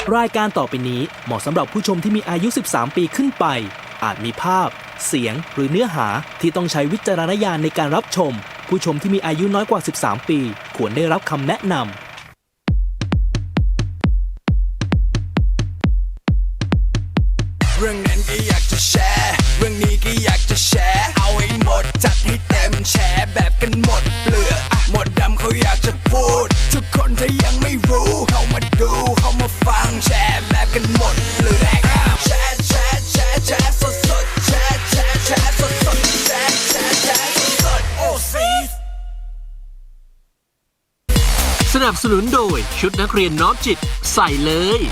รายการต่อไปนี้เหมาะสำหรับผู้ชมที่มีอายุ 13 ปีขึ้นไป อาจมีภาพ เสียง หรือเนื้อหาที่ต้องใช้วิจารณญาณในการรับชม ผู้ชมที่มีอายุน้อยกว่า 13 ปี ควรได้รับคำแนะนำเรื่องนั้นก็อยากจะแชร์ เรื่องนี้ก็อยากจะแชร์ เอาให้หมดจัดให้เต็มแชร์แบบกันหมดเปลือกหมดดำเขาอยากจะพูด ทุกคนถ้ายังไม่รู้เข้ามาดูเข้ามาฟังแชร์แบบกันหมดเปลือกแชร์แชร์แชร์แชร์สดสดแชร์แชร์แชร์สดสดแชร์แชร์แชร์สดสดโอ้ซีสนับสนุนโดยชุดนักเรียนน้อมจิตใส่เลย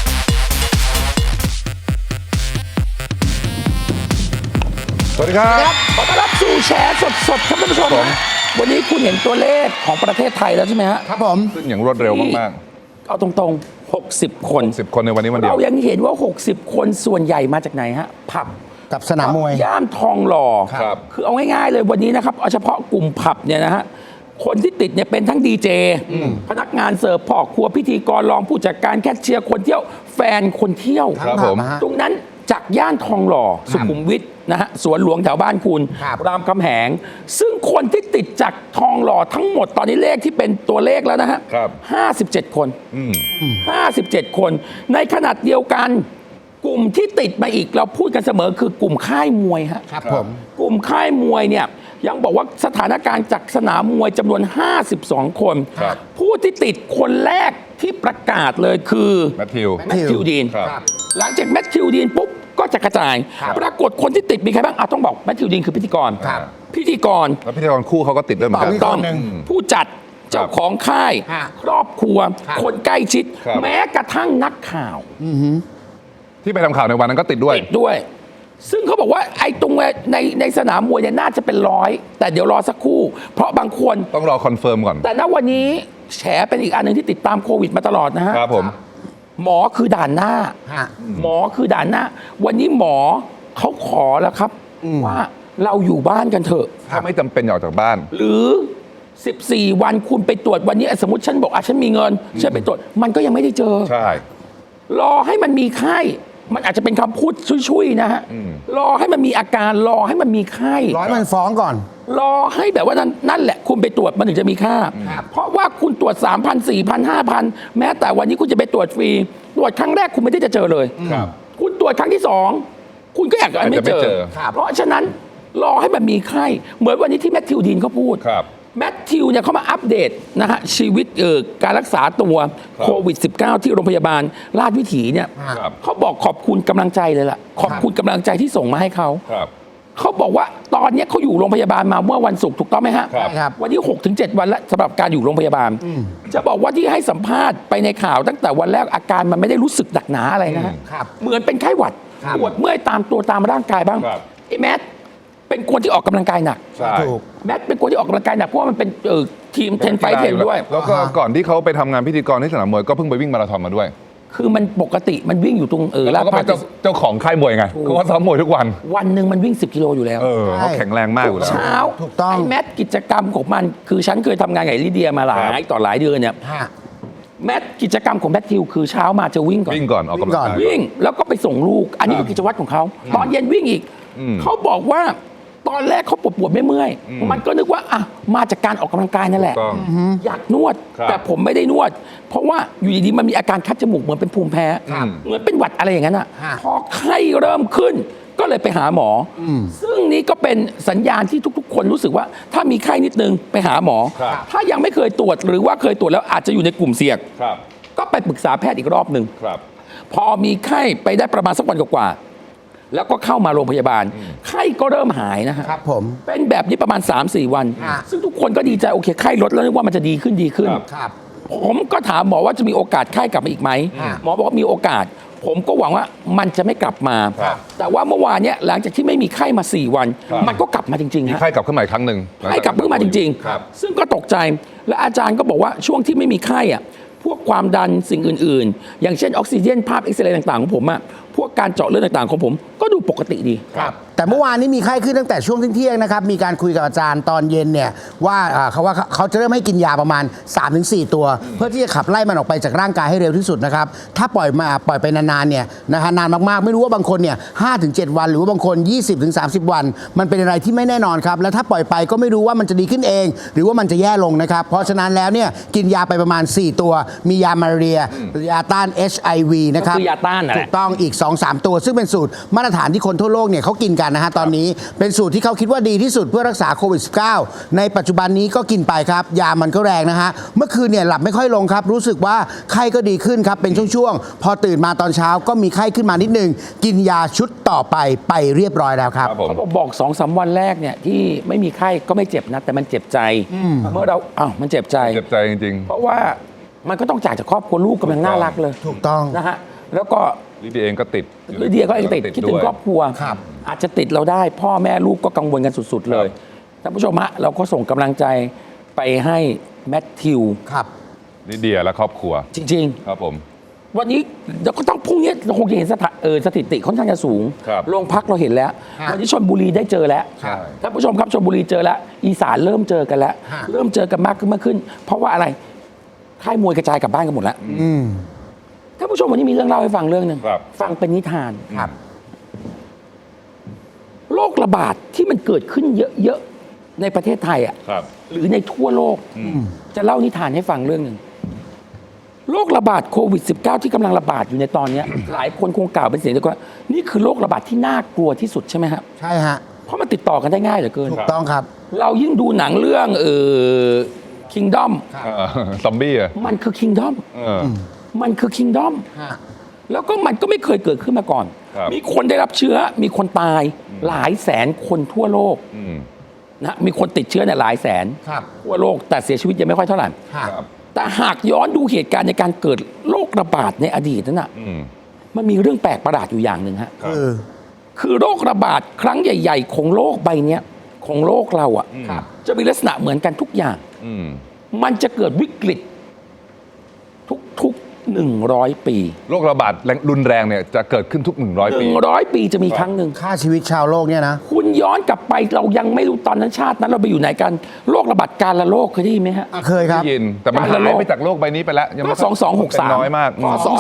สวัสดีครับขอต้อนรับสู่แชร์สดๆครับท่านผู้ชมนะวันนี้คุณเห็นตัวเลขของประเทศไทยแล้วใช่ไหมฮะครับผมซึ่งอย่างรวดเร็วมากๆเอาตรงๆ60 คน 10 คนในวันนี้วันเดียวเรายังเห็นว่า60 คนส่วนใหญ่มาจากไหนฮะผับกับสนามมวยย่านทองหล่อครับคือเอาง่ายๆเลยวันนี้นะครับเอาเฉพาะกลุ่มผับเนี่ยนะฮะคนที่ติดเนี่ยเป็นทั้งดีเจพนักงานเสิร์ฟพ่อครัวพิธีกรรองผู้จัดการแคชเชียร์คนเที่ยวแฟนคนเที่ยวครับผมตรงนั้นจากย่านทองหล่อสุขุมวิทนะฮะสวนหลวงแถวบ้านคุณรามคำแหงซึ่งคนที่ติดจากทองหล่อทั้งหมดตอนนี้เลขที่เป็นตัวเลขแล้วนะฮะ57 คน57 คนในขนาดเดียวกันกลุ่มที่ติดมาอีกเราพูดกันเสมอคือกลุ่มค่ายมวยฮะครับผมกลุ่มค่ายมวยเนี่ยยังบอกว่าสถานการณ์จากสนามมวยจำนวน52 คนผู้ที่ติดคนแรกที่ประกาศเลยคือแมทธิวดีนครับหลังจากแมทธิวดีนปุ๊บก็จะกระจายปรากฏคนที่ติดมีใครบ้างต้องบอกแมทธิวดีนคือพิธีกรพิธีกรแล้วพิธีกรคู่เขาก็ติดด้วยเหมือนกันต้องผู้จัดเจ้าของค่ายครอบครัวคนใกล้ชิดแม้กระทั่งนักข่าวที่ไปทำข่าวในวันนั้นก็ติดด้วยซึ่งเขาบอกว่าไอ้ตรงในสนามมวยเนี่ยน่าจะเป็น100แต่เดี๋ยวรอสักครู่เพราะบางคนต้องรอคอนเฟิร์มก่อนแต่ณวันนี้แฉเป็นอีกอันหนึ่งที่ติดตามโควิดมาตลอดนะฮะครับผมหมอคือด่านหน้าหมอคือด่านหน้าวันนี้หมอเขาขอแล้วครับว่าเราอยู่บ้านกันเถอะถ้าไม่จำเป็นออกจากบ้านหรือ14 วันคุณไปตรวจวันนี้สมมติฉันบอกฉันมีเงินฉันไปตรวจมันก็ยังไม่ได้เจอใช่รอให้มันมีไข้มันอาจจะเป็นคำพูดชุยๆนะฮะรอให้มันมีอาการรอให้มันมีไข้ร้อยมันฟ้องก่อนรอให้แบบว่านั่นแหละคุณไปตรวจมันถึงจะมีค่าเพราะว่าคุณตรวจ 3,000 4,000 5,000แม้แต่วันนี้คุณจะไปตรวจฟรีตรวจครั้งแรกคุณไม่ได้จะเจอเลยคุณตรวจครั้งที่2คุณก็อยากจะไม่เจอเพราะฉะนั้นรอให้มันมีไข้เหมือนวันนี้ที่แมทธิวดีนเขาพูดแมทธิวเนี่ยเขามาอัปเดตนะฮะชีวิตการรักษาตัวโควิด -19 ที่โรงพยาบาลราชวิถีเนี่ยเขาบอกขอบคุณกำลังใจเลยล่ะขอบคุณกำลังใจที่ส่งมาให้เขาเขาบอกว่าตอนนี้เขาอยู่โรงพยาบาลมาเมื่อวันศุกร์ถูกต้องไหมฮะวันนี้ 6-7 วันแล้วสำหรับการอยู่โรงพยาบาลจะบอกว่าที่ให้สัมภาษณ์ไปในข่าวตั้งแต่วันแรกอาการมันไม่ได้รู้สึกหนักหนาอะไรนะฮะเหมือนเป็นไข้หวัดปวดเมื่อยตามตัวตามร่างกายบ้างไอ้แมทเป็นคนที่ออกกำลังกายหนักแมทเป็นคนที่ออกกำลังกายหนักเพราะว่ามันเป็นทีม10 ไฟท์ 10ด้วยแล้วก็ก่อนที่เขาไปทำงานพิธีกรที่สนามมวยก็เพิ่งไปวิ่งมาราธอนมาด้วยคือมันปกติมันวิ่งอยู่ตรงลาดพร้าวเจ้าของค่ายมวยไงเขาก็ซ้อมมวยทุกวันหนึ่งมันวิ่ง10 กิโลอยู่แล้วเขาแข็งแรงมากอยู่แล้วเช้าถูกต้องไอ้แมทกิจกรรมของมันคือฉันเคยทำงานกับลิเดียมาหลายต่อหลายเดือนเนี่ยแมทกิจกรรมของแมทธิวคือเช้ามาจะวิ่งก่อนออกกำลังกายวิ่งแล้วก็ไปส่งลูกอันนี้คือกิจวัตรของเขาตอนเย็นวิ่งอีกเขาบอกว่าตอนแรกเขาปวดไม่เมื่อยมันก็นึกว่ามาจากการออกกำลังกายนั่นแหละอยากนวดแต่ผมไม่ได้นวดเพราะว่าอยู่ดีๆมันมีอาการคัดจมูกเหมือนเป็นภูมิแพ้เหมือนเป็นหวัดอะไรอย่างนั้นอ่ะพอไข้เริ่มขึ้นก็เลยไปหาหมอซึ่งนี้ก็เป็นสัญญาณที่ทุกๆคนรู้สึกว่าถ้ามีไข้นิดนึงไปหาหมอถ้ายังไม่เคยตรวจหรือว่าเคยตรวจแล้วอาจจะอยู่ในกลุ่มเสี่ยงก็ไปปรึกษาแพทย์อีกรอบหนึ่งพอมีไข้ไปได้ประมาณสักวันกว่าแล้วก็เข้ามาโรงพยาบาลไข้ก็เริ่มหายนะฮะครับผมเป็นแบบนี้ประมาณ 3-4 วันซึ่งทุกคนก็ดีใจโอเคไข้ลดแล้วนึกว่ามันจะดีขึ้นผมก็ถามหมอว่าจะมีโอกาสไข้กลับมาอีกไหมหมอบอกว่ามีโอกาสผมก็หวังว่ามันจะไม่กลับมาแต่ว่าเมื่อวานเนี้ยหลังจากที่ไม่มีไข้มา4 วันมันก็กลับมาจริงๆฮะไข้กลับขึ้นมาอีกครั้งนึงไข้กลับขึ้นมาจริงๆซึ่งก็ตกใจและอาจารย์ก็บอกว่าช่วงที่ไม่มีไข้พวกความดันสิ่งอื่นๆอย่างเช่นออกซิเจนภาพเอ็กซเรย์ต่างๆของผมพวกการเจาะเลือดต่างๆของผมก็ดูปกติดีแต่เมื่อวานนี้มีไข้ขึ้นตั้งแต่ช่วงเที่ยงๆนะครับ มีการคุยกับอาจารย์ตอนเย็นเนี่ยว่าเขาจะเริ่มให้กินยาประมาณ 3-4 ตัว เพื่อที่จะขับไล่มันออกไปจากร่างกายให้เร็วที่สุดนะครับ ถ้าปล่อยไปนานๆเนี่ยนะฮะนานมากๆ ไม่รู้ว่าบางคนเนี่ย5-7 วันหรือว่าบางคน 20-30 วัน มันเป็นอะไรที่ไม่แน่นอนครับ แล้วถ้าปล่อยไปก็ไม่รู้ว่ามันจะดีขึ้นเอง หรือว่ามันจะแย่ลงนะครับ เพราะฉะนั้นแล้วเนี่ยกินยาไปประมาณ 4 ตัว มียามาลาเรียยาต้าน HIV นะครับก็คือยาต้านนั่นแหละถูกต้องอีก 2-3 ตัว ซึ่งเป็นสูตรมาตรฐานที่คนทั่วโลกเนี่ยเขากินกันนะฮะตอนนี้เป็นสูตรที่เขาคิดว่าดีที่สุดเพื่อรักษาโควิด -19 ในปัจจุบันนี้ก็กินไปครับยามันก็แรงนะฮะเมื่อคืนเนี่ยหลับไม่ค่อยลงครับรู้สึกว่าไข้ก็ดีขึ้นครับเป็นช่วงๆพอตื่นมาตอนเช้าก็มีไข้ขึ้นมานิดนึงกินยาชุดต่อไปเรียบร้อยแล้วครับครับผมเขาบอก 2-3 วันแรกเนี่ยที่ไม่มีไข้ก็ไม่เจ็บนะแต่มันเจ็บใจเมื่อเรามันเจ็บใจเจ็บใจจริงเพราะว่ามันก็ต้องจากครอบครัวลูกกำลังน่ารักเลยถูกต้องนะฮะแล้วก็ๆลิเดียเองก็ติดลิเดียก็เองติดคิดถึงครอบครัวครับอาจจะติดเราได้ พ่อแม่ลูกก็กังวลกันสุดๆเลยท่านผู้ชมฮะเราก็ส่งกำลังใจไปให้แมทธิวครับลิเดียและครอบครัวจริงครับผมๆ วันนี้เราก็ต้องพรุ่งนี้เราคงจะเห็นสถิติค่อนข้างจะสูงครับโรงพักเราเห็นแล้ว วันนี้ชลบุรีได้เจอแล้วใช่ท่านผู้ชมครับชลบุรีเจอแล้ว อีสานเริ่มเจอกันแล้วฮะเริ่มเจอกันมากขึ้น เพราะว่าอะไรค่ายมวยกระจายกลับบ้านกันหมดแล้วอืมท่านผู้ชมวันนี้มีเรื่องเล่าให้ฟังเรื่องหนึ่งครับฟังเป็นนิทานครับโรคระบาดที่มันเกิดขึ้นเยอะๆในประเทศไทยอ่ะครับหรือในทั่วโลก จะเล่านิทานให้ฟังเรื่องหนึ่งโรคระบาดโควิด -19 ที่กำลังระบาดอยู่ในตอนเนี้ย หลายคนคงกล่าวเป็นเสียงเดียวกันว่านี่คือโรคระบาดที่น่ากลัวที่สุดใช่ไหมครับใช่ฮะเพราะมันติดต่อกันได้ง่ายเหลือเกินถูกต้องครับเรายิ่งดูหนังเรื่องKingdom ซอมบี้อะมันคือ Kingdom มันคือ Kingdom ฮะแล้วก็มันก็ไม่เคยเกิดขึ้นมาก่อนครับมีคนได้รับเชื้อ มีคนตายหลายแสนคนทั่วโลกอืมนะมีคนติดเชื้อเนี่ยหลายแสนครับทั่วโลกแต่เสียชีวิตยังไม่ค่อยเท่าไหร่ฮะครับแต่หากย้อนดูเหตุการณ์ในการเกิดโรคระบาดในอดีตนั้นน่ะอืมมันมีเรื่องแปลกประหลาดอยู่อย่างหนึ่งฮะคือคือโรคระบาดครั้งใหญ่ ๆ ของโลกใบเนี้ยของโลกเราอ่ะครับจะมีลักษณะเหมือนกันทุกอย่างอืมมันจะเกิดวิกฤตทุก100 ปีโรคระบาดรุนแรงเนี่ยจะเกิดขึ้นทุก 100 ปี 100 ปีจะมีครั้งหนึ่งค่าชีวิตชาวโลกเนี่ยนะคุณย้อนกลับไปเรายังไม่รู้ตอนนั้นชาตินั้นเราไปอยู่ไหนกันโรคระบาดการละโรคเคยได้ยินไหมฮะเคยครับได้ยินแต่มันหายไปจากโลกใบนี้ไปแล้วยังก็ไม่ 2263 น้อยมากพศ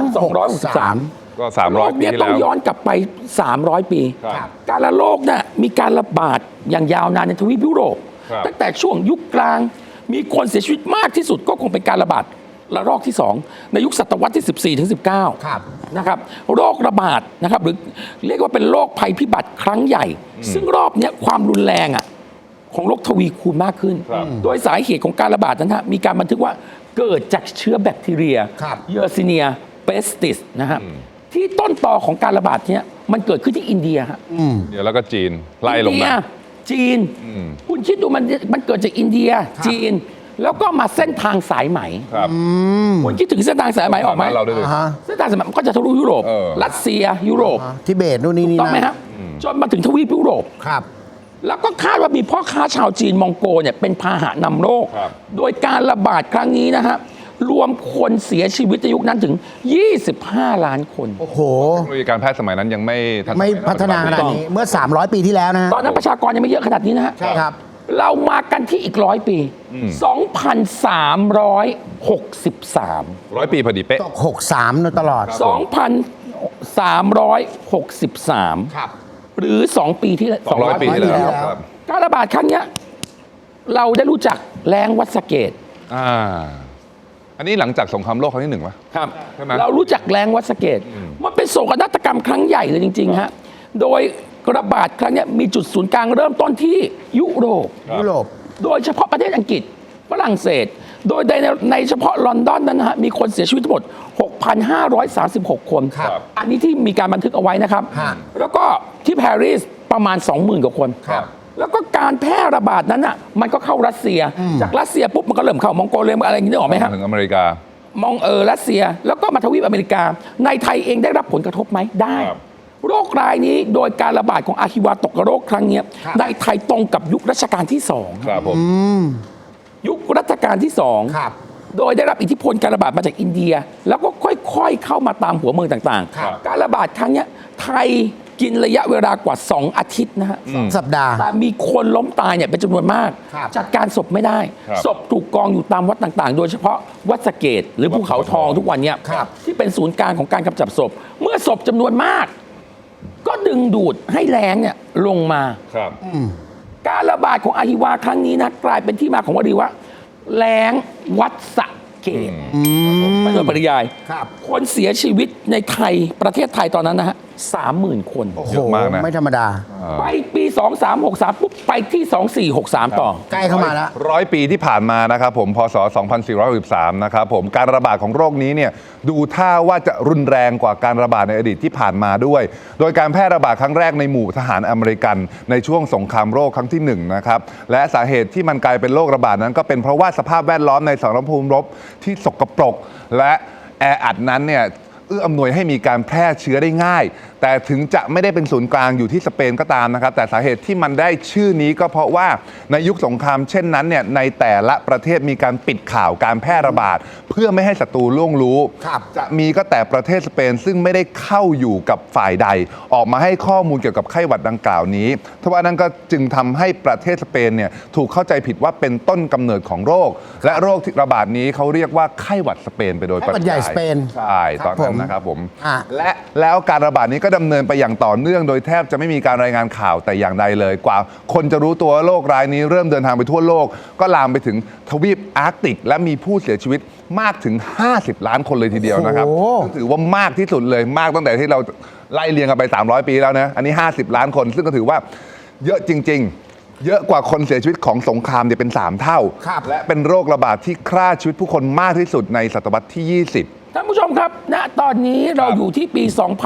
2263 ก็โรค 300 ปีเนี้ยที่ต้องแล้วย้อนกลับไป 300 ปีครับการละโรคน่ะมีการระบาดอย่างยาวนานในทวีปยุโรปครับตั้งแต่ช่วงยุคกลางมีคนเสียชีวิตมากที่สุดก็คงเป็นการระบาดระลอกที่ 2 ในยุคศตวรรษที่ 14 ถึง 19 ครับนะครับโรคระบาดนะครับหรือเรียกว่าเป็นโรคภัยพิบัติครั้งใหญ่ ซึ่งรอบเนี้ยความรุนแรงอ่ะของโรคทวีคูณมากขึ้นครับโดยสาเหตุของการระบาดนั้นฮะมีการบันทึกว่าเกิดจากเชื้อแบคทีเรียครับเยอร์ซิเนียเปสติสนะฮะที่ต้นตอของการระบาดเนี้ยมันเกิดขึ้นที่อินเดียฮะเดี๋ยวแล้วก็จีนไล่ลงอินเดีมายจีน คุณคิดดูมันเกิดจากอินเดียจีน แล้วก็มาเส้นทางสายไหมครับคุณคิดถึงเส้นทางสายไหมออกไหมบ้านเราด้วยดิอ่าฮะเส้นทางสายไหมมันก็จะทะลุยุโรปเออรัสเซียยุโรปทิเบตนู่นนี่นี่ต้องไหมนะครับจนมาถึงทวีปยุโรปครับแล้วก็คาดว่ามีพ่อค้าชาวจีนมองโกเนี่ยเป็นพาหะนำโรคครับโดยการระบาดครั้งนี้นะฮะรวมคนเสียชีวิตในยุคนั้นถึง 25 ล้านคนโอ้โหเทคโนโลยีการแพทย์สมัยนั้นยังไม่ทันไม่พัฒนาขนาดนี้เมื่อ 300 ปีที่แล้วนะฮะตอนนั้นประชากรยังไม่เยอะขนาดนี้นะฮะใช่ครับเรามากันที่อีก100 ปี 2,363 100 ปีพอดีเป๊ะตก 63ตลอด 2,363 ครับหรือ 2 ปีที่ 200 ปีที่แล้ว 200 ครับการระบาดครั้งเนี้ยเราได้รู้จักแรงวัดสะเกตอันนี้หลังจากสงครามโลกครั้งที่1วะครับใช่ไหมเรารู้จักแรงวัดสะเกตมันเป็นโศกนาฏกรรมครั้งใหญ่เลยจริงๆฮะโดยระบาดครั้งเนี้ยมีจุดศูนย์กลางเริ่มต้นที่ยุโรปยุโรปโดยเฉพาะประเทศอังกฤษฝรั่งเศส โดยในเฉพาะลอนดอนนั้นนะฮะมีคนเสียชีวิตทั้งหมด 6,536 คนครับอันนี้ที่มีการบันทึกเอาไว้นะครับฮะแล้วก็ที่ปารีสประมาณ 20,000 กว่าคนครับแล้วก็การแพร่ระบาดนั้นอ่ะมันก็เข้ารัสเซีย จากรัสเซียปุ๊บมันก็เริ่มเข้ามองโกเลียอะไรอย่างนี้นึกออกไหมฮะถึงอเมริกามองรัสเซียแล้วก็มาทวีปอเมริกา ในไทยเองได้รับผลกระทบไหมได้ครับโรครายนี้โดยการระบาดของอาฮิวาตกโรคครั้งเนี้ยครับในไทยตรงกับยุครัชกาลที่สองครับผมยุครัชกาลที่สองครับโดยได้รับอิทธิพลการระบาดมาจากอินเดีย แล้วก็ค่อยๆเข้ามาตามหัวเมืองต่างครับๆ การระบาดครั้งเนี้ยไทยกินระยะเวลากว่า 2 อาทิตย์นะฮะสัปดาห์แต่มีคนล้มตายเนี่ยเป็นจำนวนมากครับจัดการศพไม่ได้ครับศพถูกกองอยู่ตามวัดต่างๆ โดยเฉพาะวัดสะเกดหรือภูเขาทองทุกวันเนี่ยครับที่เป็นศูนย์กลางของการกำจัดศพ เมื่อศพจำนวนมาก ก็ดึงดูดให้แรงเนี่ยลงมาครับการระบาดของอหิวาครั้งนี้นะกลายเป็นที่มาของวลีว่าแรงวัดสะเกดไม่โดยปริยายครับคนเสียชีวิตในไทยประเทศไทยตอนนั้นนะฮะ 30,000 คนโอ้โหเยอะมากนะไม่ธรรมดาไปปี 2363 ปุ๊บ ไปที่ 2463 ต่อใกล้เข้ามาแล้ว 100 ปีที่ผ่านมานะครับผมพศ 2463 นะครับผมการระบาดของโรคนี้เนี่ยดูท่าว่าจะรุนแรงกว่าการระบาดในอดีตที่ผ่านมาด้วย โดยการแพร่ระบาดครั้งแรกในหมู่ทหารอเมริกันในช่วงสงครามโรคครั้งที่1นะครับและสาเหตุที่มันกลายเป็นโรคระบาดนั้นก็เป็นเพราะว่าสภาพแวดล้อมในสมรภูมิรบที่สกปรกและแออัดนั้นเนี่ยเอื้ออำนวยให้มีการแพร่เชื้อได้ง่าย แต่ถึงจะไม่ได้เป็นศูนย์กลางอยู่ที่สเปนก็ตามนะครับแต่สาเหตุที่มันได้ชื่อนี้ก็เพราะว่าในยุคสงครามเช่นนั้นเนี่ยในแต่ละประเทศมีการปิดข่าวการแพร่ระบาด เพื่อไม่ให้ศัตรูล่วงรู้ครับจะมีก็แต่ประเทศสเปนซึ่งไม่ได้เข้าอยู่กับฝ่ายใด ออกมาให้ข้อมูลเกี่ยวกับไข้หวัดดังกล่าวนี้ทว่านั้นก็จึงทำให้ประเทศสเปนเนี่ยถูกเข้าใจผิดว่าเป็นต้นกำเนิดของโรค และโรคที่ระบาดนี้เขาเรียกว่าไข้หวัดสเปนไปโดยปไข้หวัดใหญ่สเปนใช่ตอนนั้นนะครับผมอ่ะและแล้วการระบาดนี้ก็ดำเนินไปอย่างต่อเนื่องโดยแทบจะไม่มีการรายงานข่าวแต่อย่างใดเลยกว่าคนจะรู้ตัวว่าโรคร้ายนี้เริ่มเดินทางไปทั่วโลก ก็ลามไปถึงทวีปอาร์กติก และมีผู้เสียชีวิตมากถึง 50 ล้านคนเลยทีเดียวนะครับโอ้โหซึ่งถือว่ามากที่สุดเลยมากตั้งแต่ที่เราไล่เรียงกันไป 300 ปีแล้วนะอันนี้ 50 ล้านคน ซึ่งก็ถือว่าเยอะจริง ๆ เยอะกว่าคนเสียชีวิตของสงครามเนี่ยเป็น 3 เท่าครับและเป็นโรคระบาดที่ฆ่าชีวิตผู้คนมากที่สุดในศตวรรษที่ 20 ท่านผู้ชมครับ ณ ตอนนี้เราอยู่ที่ปี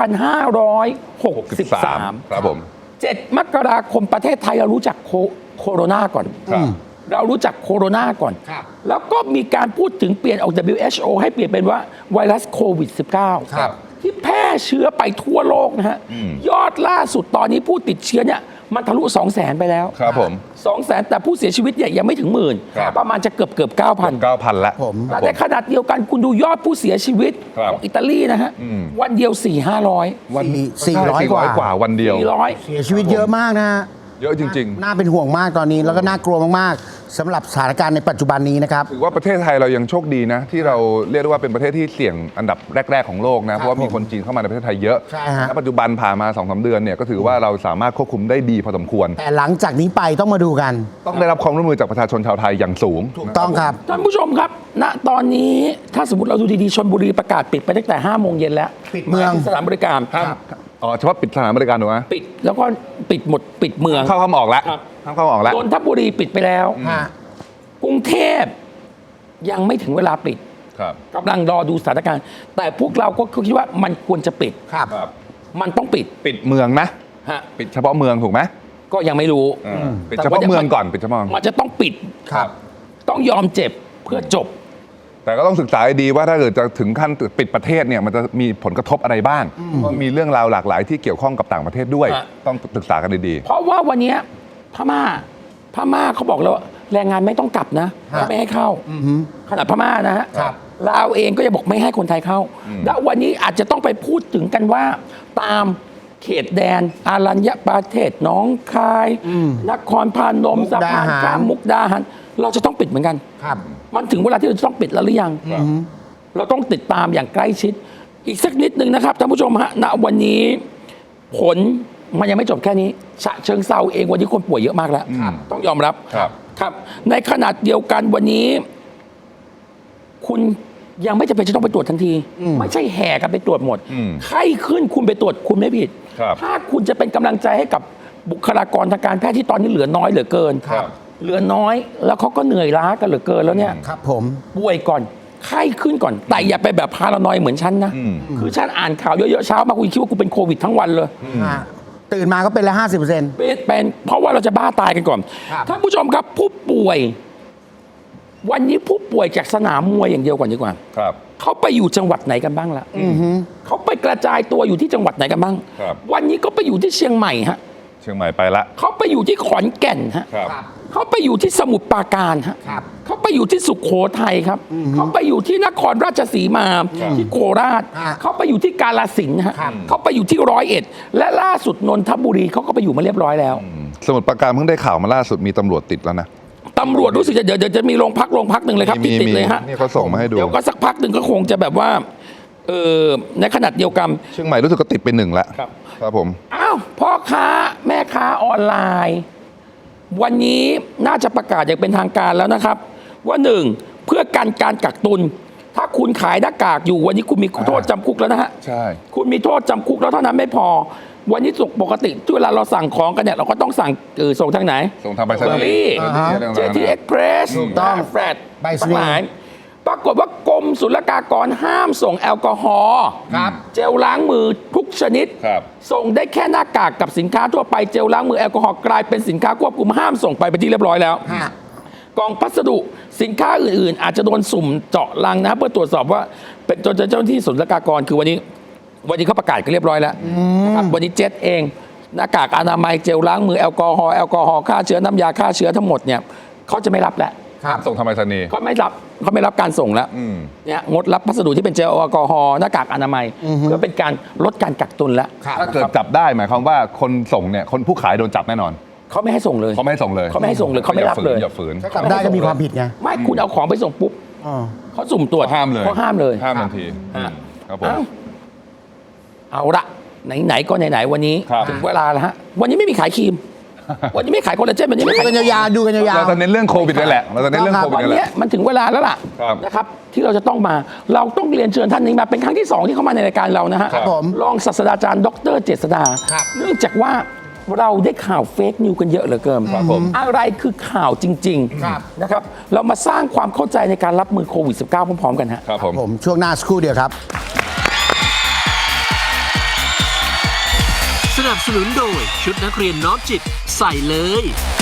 2563 ครับผม 7 มกราคมประเทศไทยเรารู้จักโคโรนาก่อนครับเรารู้จักโคโรนาก่อนครับแล้วก็มีการพูดถึงเปลี่ยนออก WHO ให้เปลี่ยนเป็นว่าไวรัสโควิด -19 ครับที่แพร่เชื้อไปทั่วโลกนะฮะ ยอดล่าสุดตอนนี้ผู้ติดเชื้อเนี่ยมันทะลุ 200,000 ไปแล้วครับผม 200,000 แต่ผู้เสียชีวิตเนี่ยยังไม่ถึงหมื่นครับประมาณจะเกือบ 9,000 9,000แล้วผมแต่ในขนาดเดียวกันคุณดูยอดผู้เสียชีวิตครับของอิตาลีนะฮะ วันเดียว 400-500 400 กว่ากว่าวันเดียว 400 เสียชีวิตเยอะมากนะฮะเยอะจริงน่าเป็นห่วงมากตอนนี้ แล้วก็น่ากลัวมากๆสำหรับสถานการณ์ในปัจจุบันนี้นะครับๆ ถือว่าประเทศไทยเรายังโชคดีนะ ที่เราเรียกได้ว่าเป็นประเทศที่เสี่ยงอันดับแรก ๆ ของโลกนะ เพราะว่ามีคนจีนเข้ามาในประเทศไทยเยอะใช่ฮะและปัจจุบันผ่านมา 2-3 เดือนเนี่ยก็ถือว่าเราสามารถควบคุมได้ดีพอสมควรแต่หลังจากนี้ไปต้องมาดูกันต้องได้รับความร่วมมือจากประชาชนชาวไทยอย่างสูงถูกต้องครับท่านผู้ชมครับ ณ ตอนนี้ถ้าสมมติเราดูดีๆชลบุรีประกาศปิดไปตั้งแต่ 5 โมงเย็นแล้วปิดเมืองหายถึสถานบริการอ๋อเฉพาะปิดสถานบริการถูกไหมปิดแล้วก็ปิดหมดปิดเมืองเข้าออกแล้วครับเข้าออกแล้วนนทบุรีปิดไปแล้วฮะกรุงเทพยังไม่ถึงเวลาปิดครับกำลังรอดูสถานการณ์ แต่พวกเราก็คิดว่ามันควรจะปิดครับมันต้องปิดปิดเมืองนะฮะปิดเฉพาะเมืองถูกไหมก็ยังไม่รู้ปิดเฉพาะเมืองก่อนปิดเฉพาะมันจะต้องปิดครับต้องยอมเจ็บเพื่อจบแต่ก็ต้องศึกษาให้ดีว่าถ้าเกิดจะถึงขั้นปิดประเทศเนี่ยมันจะมีผลกระทบอะไรบ้างเพราะมีเรื่องราวหลากหลายที่เกี่ยวข้องกับต่างประเทศด้วยฮะต้องศึกษากันดีเพราะว่าวันเนี้ยพม่าเขาบอกแล้วว่าแรงงานไม่ต้องกลับนะฮะไม่ให้เข้าขนาดพม่านะฮะครับลาวเองก็จะบอกไม่ให้คนไทยเข้า แล้ววันนี้อาจจะต้องไปพูดถึงกันว่าตามเขตแดนอารัญญประเทศหน้องคายนครพนมมุกสะดาพานหารข้ามมุกดาหารเราจะต้องปิดเหมือนกันครับมันถึงเวลาที่เราจะต้องปิดแล้วหรือยัง เราต้องติดตามอย่างใกล้ชิด อีกสักนิดหนึ่งนะครับท่านผู้ชมฮะ ณ วันนี้ผลมันยังไม่จบแค่นี้ ฉะเชิงเซาเองวันนี้คนป่วยเยอะมากแล้ว ต้องยอมรับครับครับ ในขนาดเดียวกันวันนี้ คุณยังไม่จำเป็นจะต้องไปตรวจทันที ไม่ใช่แห่กันไปตรวจหมด ไข้ขึ้นคุณไปตรวจคุณไม่ผิดครับถ้าคุณจะเป็นกำลังใจให้กับบุคลากรทางการแพทย์ที่ตอนนี้เหลือน้อยเหลือเกินครับเหลือน้อย แล้วเขาก็เหนื่อยล้ากันเหลือเกินแล้วเนี่ยครับผมป่วยก่อนไข้ขึ้นก่อน แต่อย่าไปแบบพารานอยเหมือนฉันนะ คือฉันอ่านข่าวเยอะๆเช้ามาคุณคิดว่ากูเป็นโควิดทั้งวันเลยฮะ ตื่นมาก็เป็นแล้ว 50% เป็นเพราะว่าเราจะบ้าตายกันก่อนครับท่านผู้ชมครับผู้ป่วย วันนี้ผู้ป่วยจากสนามมวยอย่างเดียวก่อนดีกว่าครับเขาไปอยู่จังหวัดไหนกันบ้างล่ะเขาไปกระจายตัวอยู่ที่จังหวัดไหนกันบ้างครับวันนี้ก็ไปอยู่ที่เชียงใหม่ฮะเชียงใหม่ไปละเขาไปอยู่ที่ขอนแก่นฮะครับเขาไปอยู่ที่สมุทรปราการฮะครับเขาไปไปอยู่ที่สุโขทัยครับเขาไปอยู่ที่นครราชสีมาที่โคราชเขาไปอยู่ที่กาฬสินธุ์ฮะเขาไปอยู่ที่101และล่าสุดนนทบุรีเขาก็ไปอยู่มาเรียบร้อยแล้วสมุทรปราการเพิ่งได้ข่าวมาล่าสุดมีตำรวจติดแล้วนะตำรวจรู้สึกเดี๋ยวจะมีโรงพักหนึ่งเลยครับที่ติดเลยฮะนี่เขาส่งมาให้ดูเดี๋ยวก็สักพักหนึ่งก็คงจะแบบว่าในขนาดเดียวกันเชียงใหม่รู้สึกก็ติดไป1แล้วครับผมอ้าวพ่อค้าแม่ค้าออนไลน์ วันนี้น่าจะประกาศอย่างเป็นทางการแล้วนะครับ ว่าหนึ่งเพื่อกันการกักตุน ถ้าคุณขายหน้ากากอยู่วันนี้คุณมีโทษจำคุกแล้วนะฮะใช่คุณมีโทษจำคุกแล้วเท่านั้นไม่พอ วันนี้ปกติที่เวลาเราสั่งของกันเนี่ยเราก็ต้องสั่งส่งทางไหนส่งทางไปรษณีเบอร์รี่ย์เจทีเอ็กเพรสถูกต้องแฟลตไปรษณีย์หมายปรากฏว่ากรมศุลกากรห้ามส่งแอลกอฮอล์ครับเจลล้างมือทุกชนิดครับส่งได้แค่หน้ากากกับสินค้าทั่วไปเจลล้างมือแอลกอฮอล์กลายเป็นสินค้าควบคุมห้ามส่งไปเป็นที่เรียบร้อยแล้วฮะกองพัสดุสินค้าอื่นๆ อาจจะโดนสุ่มเจาะลังนะเพื่อตรวจสอบว่าเป็นเจ้าหน้าที่ศุลกากรคือวันนี้เขาประกาศกันเรียบร้อยแล้วนะครับวันนี้เจ็ตเองหน้ากากอนามัยเจลล้างมือแอลกอฮอล์ฆ่าเชื้อน้ำยาฆ่าเชื้อทั้งหมดเนี่ยเขาจะไม่รับแล้วครับส่งทางไปรษณีย์เขาไม่รับการส่งแล้วอืมเนี่ยงดรับพัสดุที่เป็นเจลแอลกอฮอล์หน้ากากอนามัยเพื่อเป็นการลดการกักตุนแล้วถ้าเกิดจับได้หมายความว่าคนส่งเนี่ยคนผู้ขายโดนจับแน่นอนเขาไม่ให้ส่งเลยเขาไม่ให้ส่งเลยเขาไม่ให้ส่งเลยเขาไม่รับเลยอย่าฝืนถ้าจับได้ก็มีความผิดไงไม่คุณเอาของไปส่งปุ๊บอ๋อเขาสุ่มตรวจห้ามเลยเขาห้ามเลยห้ามทันทีครับครับผมเอาละไหนๆก็ไหนๆวันนี้ครับถึงเวลาแล้วฮะวันนี้ไม่มีขายครีม วันนี้ไม่ขายคอลลาเจนวันนี้ดูไม่ขายกันยาวๆดูกันยาวเราจะเน้นเรื่องโควิดนี่แหละเราจะเน้นเรื่องโควิดวันนี่แหนี้ละมันถึงเวลาแล้วล่ะครับนะครับที่เราจะต้องมาเราต้องเรียนเชิญท่านนี้มาเป็นครั้งที่ 2 ที่เข้ามาในรายการเรานะฮะครับผมรองศาสตราจารย์ดรเจษฎาครับเนื่องจากว่าเราได้ข่าวเฟกนิวกันเยอะเหลือเกินครับผมอะไรคือข่าวจริงครับๆนะครับเรามาสร้างความเข้าใจในการรับมือโควิด -19 พร้อมๆกันฮะครับผมผมช่วงหน้าสักครู่เดียวครับสนับสนุนโดยชุดนักเรียนน้อมจิตใส่เลย